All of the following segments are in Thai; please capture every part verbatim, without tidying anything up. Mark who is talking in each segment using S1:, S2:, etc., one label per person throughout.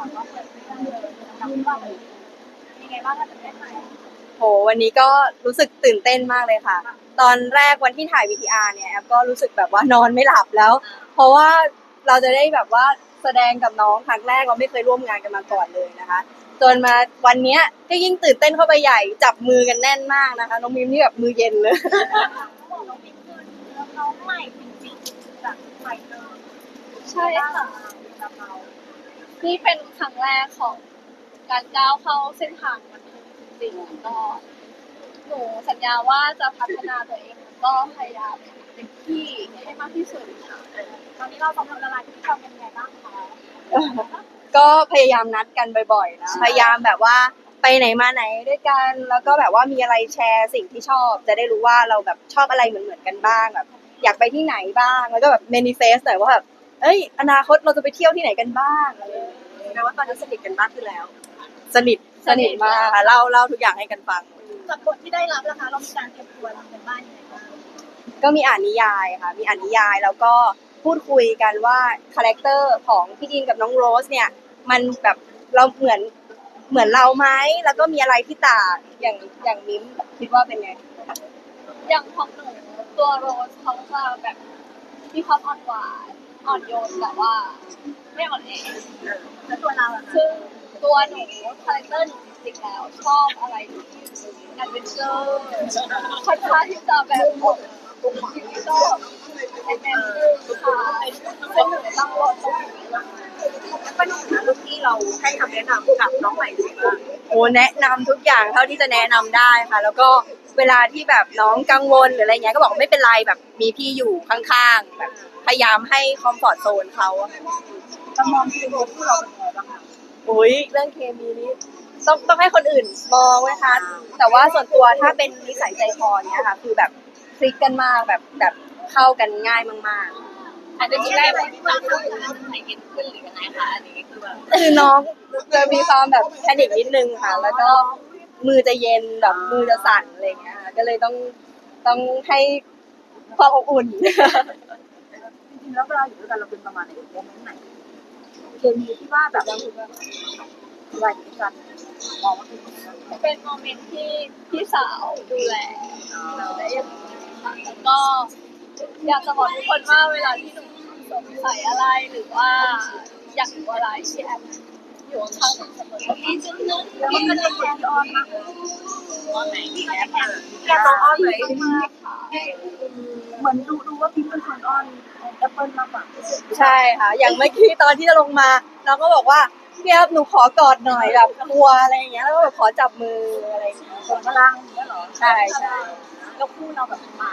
S1: แบบว่าเปิดเรื่องเลยจำว่ายังไงบ้างคะจะได้ไหม
S2: โหวันนี้ก็รู้สึกตื่นเต้นมากเลยค่ะตอนแรกวันที่ถ่าย วี ที อาร์ เนี่ยแอฟก็รู้สึกแบบว่านอนไม่หลับแล้วเพราะว่าเราจะได้แบบว่าแสดงกับน้องครั้งแรกเราไม่เคยร่วมงานกันมาก่อนเลยนะคะจนมาวันเนี้ยก็ยิ่งตื่นเต้นเข้าไปใหญ่จับมือกันแน่นมากนะคะน้องมิมนี่แบบมือเย็นเลย
S1: เขาบอกน้องปิ๊กคือน้องใหม่จริงๆจากใหม่เลย
S3: ใช่ค่ะ
S1: จากเรา
S3: นี่เป็นครั้งแรกของการก้าวเข้าเส้นทางบันเทิงจริงๆก็หนูสัญญาว่าจะพัฒนาตัวเองก็พยายามเต็มที่ให้มากที่สุดค่ะ
S1: ตอนนี้เราต้องทำอะไรที่ทำเป็นยังไงบ้างคะ
S2: ก็พยายามนัดกันบ่อยๆนะพยายามแบบว่าไปไหนมาไหนด้วยกันแล้วก็แบบว่ามีอะไรแชร์สิ่งที่ชอบจะได้รู้ว่าเราแบบชอบอะไรเหมือนๆกันบ้างแบบอยากไปที่ไหนบ้างแล้วก็แบบ manifest หน่อยว่าแบบเอ้ยอนาคตเราจะไปเที่ยวที่ไหนกันบ้างอะไรอย่างเงี้ย
S1: แปลว่าตอนนี้สนิทกันมากขึ้นแล้ว
S2: สนิทสนิทมากค่ะเล่าเล่าทุกอย่างให้กันฟัง
S1: จากบทที่ได้รับนะคะเรามีการเตรียมตัวทำกันบ้านยังไงบ้าง
S2: ก็มีอ่านนิยายค่ะมีอ่านนิยายแล้วก็พูดคุยกันว่าคาแรคเตอร์ของพี่ดินกับน้องโรสเนี่ยมันแบบเราเหมือนเหมือนเราไหมแล้วก็มีอะไรที่ต่างอย่างอย่างมิ้มคิดว่าเป็นไง
S3: อย่างของหนูตัวโรสเขาจะแบบมีความอ่อนหวานอ่อนโยนแต่ว่าไม่อ่อนแอ
S1: แล้วตัวเราอะคะ
S3: ซึ่งตัวหนูคาแรคเตอร์หนูจริงๆแล้วชอบอะไรที่แอดเวนเจอร์ค่อนข้างที่จะแบบออกก็แอดเวนเจอร์ค่ะซึ่งหนูตั้งรถตรงนี้
S1: เป็นหนึ่งรุ่นที่เราให้คำแนะนำกับน้องใหม่ด้วยว่า
S2: โอ้แนะนำทุกอย่างเท่าที่จะแนะนำได้ค่ะ แล้วก็เวลาที่แบบน้องกังวลหรืออะไรเงี้ยก็บอกไม่เป็นไรแบบมีพี่อยู่ข้างๆแบบพยายามให้คอมฟอร์ตโซนเขาอะค่ะ
S1: เรามองคือที่เราเป็นยังไงบ้างคะ
S2: อุ้ยเรื่องเคมีนี้ต้องต้องให้คนอื่นมองไหมคะแต่ว่าส่วนตัวถ้าเป็นนิสัยใจคอเนี้ยค่ะคือแบบคลิกกันมากแบบแบบเข้ากันง่ายมากๆ
S3: อาจจะมีได้ว่าที่ฟังดูใส่เย็นขึ้นหรือยังไงคะอันนี้คือแบบ
S2: คือน้องจะมีความแบบแพนิคนิดนึงค่ะ แล้วก็มือจะเย็นแบบมือจะสั่นอะไรอย่างเงี้ยค่ะก็เลยต้องต้องให้ความอบอุ่น
S1: จริงๆแล้วเวลาอยู่ด้วยกันเราเป็นประมาณไหนโมเมนต์ไหนเคมีที่ว่าแบบเราเวลาอยู่ด้วยกันมองว่าเป็นยังไง
S3: เป็นโมเมนต์ที่พี่สาวดูแลเราได้อย่างดีมากแล้วก็อยากจะบอกทุกคนว่าเวลาที่หนูสงสัยอะไรหรือว่าอยากรู้อะไรที่แอมอยู่ข้างหนูเสมอพี่จุ๊บนึง
S1: แล้ว
S3: พี่
S1: มัน
S3: จุ๊
S1: เป็
S3: บ
S1: นคน
S3: นึง
S1: ที่อ้อนมากเลย
S3: ว่าไหนพี่แอม
S1: แกต้องอ้อนไหม
S3: มากค่ะ
S1: เหมือนดูดูว่าพี่เป็นคนอ้อนแอปเปิลมากกว่า
S2: ใช่ค่ะ อย่างเมื่อกี้ตอนที่จะลงมาน้องก็บอกว่าพี่ครับหนูขอกอดหน่อยแบบกลัวอะไรอย่างเงี้ยแล้วก็แบบขอจับมืออะไรอย่างเงี้ย
S1: ส่งพลังอย่างเงี้ยเหรอ
S2: ใช่ใช่
S1: แล้วคู่เราแบบมา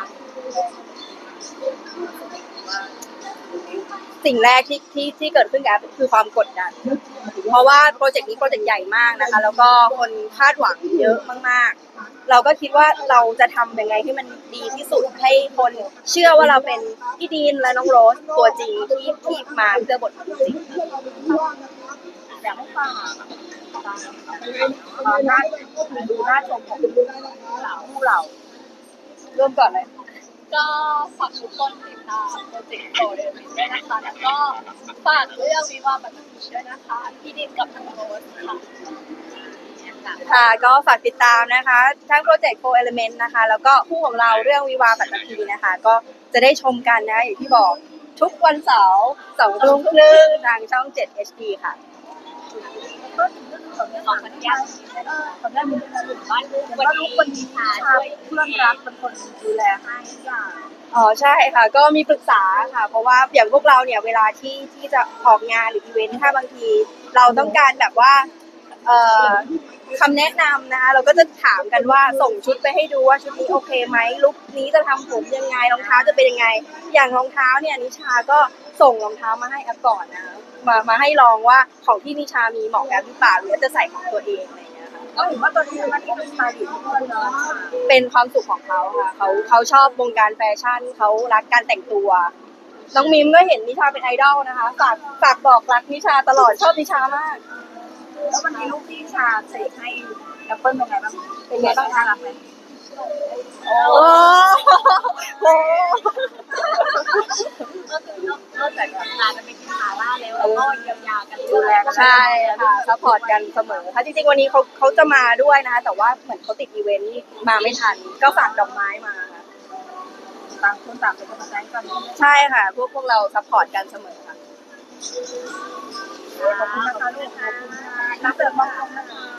S2: สิ่งแรกที่ที่ที่เกิดขึ้นกับคือความกดดัน เพราะว่าโปรเจกต์นี้โปรเจกต์ใหญ่มากนะคะ แล้วก็คนคาดหวังเยอะมากๆ เราก็คิดว่าเราจะทำยังไงให้มันดีที่สุดให้คนเชื่อว่าเราเป็นพี่ดีนและน้องโรสตัวจริงที่ที่มาเพื่อบทจริง
S1: อยากให้ฟังตอนน่าดูน่าชมของเราคู่เรา
S2: เริ่มก่อนเลย
S3: ก็ฝากทุกคนติดตามโปรเจกต์โปรเดมิด้วยนะคะแล้วก็ฝากเรื่องวิวาห์บัตรผีด้วยนะคะพี่ดินกับทางโรสค่ะ
S2: ค่ะก็ฝากติดตามนะคะ ทั้งโปรเจกต์โฟร์เอลิเมนต์นะคะ แล้วก็คู่ของเราเรื่องวิวาห์ปัตตภีนะคะ ก็จะได้ชมกันนะอย่างที่บอกทุกวันเสาร์สองทุ่มครึ่งทางช่องเจ็ด เอช ดี ค่ะ
S1: ก็ถึงเรื่องของเรื่องของมันยากตอนแรกมันจะถึงบ้านลูกวันนี้คนมีชาช่วยเพื่อนรักเป็นคนดูแลให้ทุกอย่าง
S2: อ๋อใช่ค่ะก็มีปรึกษาค่ะเพราะว่าอย่างพวกเราเนี่ยเวลาที่ที่จะออกงานหรืออีเวนต์ถ้าบางทีเราต้องการแบบว่าเอ่อคำแนะนำนะคะเราก็จะถามกันว่าส่งชุดไปให้ดูว่าชุดนี้โอเคไหมลุคนี้จะทำผมยังไงรองเท้าจะเป็นยังไงอย่างรองเท้าเนี่ยนิชาก็ส่งรองเท้ามาให้แอปก่อนนะมามาให้ลองว่าของที่นิชามีเหมาะกับแอปหรือเปล่าหรือจะใส่ของตัวเองอะไรอย่างเงี้ยค่ะ
S1: ก็เห็นว่าตอนนี้มันก็เป็นสไตล์อยู่เพื่อนเนาะ
S2: เป็นความสุขของเขาค่ะเขาเขาชอบวงการแฟชั่นเขารักการแต่งตัวน้องมิมก็เห็นนิชาเป็นไอดอลนะคะฝากฝากบอกรักนิชาตลอดชอบนิชามาก
S1: แล้ววันนี้ลูกที่ชาเสกให้แอปเปิลเป็นไงบ้างเป็นไงบ้างน่ารักไหม
S2: โอ้โห
S1: ก็คือนอกจากแบบงานจะเป็นกินขาล่าแล้วเราก็เยียวยากันดูแลกัน
S2: ใช่ค่ะซัพพอร์ตกันเสมอค่ะจริงๆวันนี้เขาเขาจะมาด้วยนะคะแต่ว่าเหมือนเขาติดอีเวนต์มาไม่ทันก็ฝากดอกไม้มาค่ะ
S1: ต่างคนต่างเป็นกำลังใจกัน
S2: ใช่ค่ะ พวกพวกเราซัพพอร์ตกันเสมอค่ะ
S1: ขอบคุณนะคะลูกขอบคุณค่ะนักเตะบอลนะคะ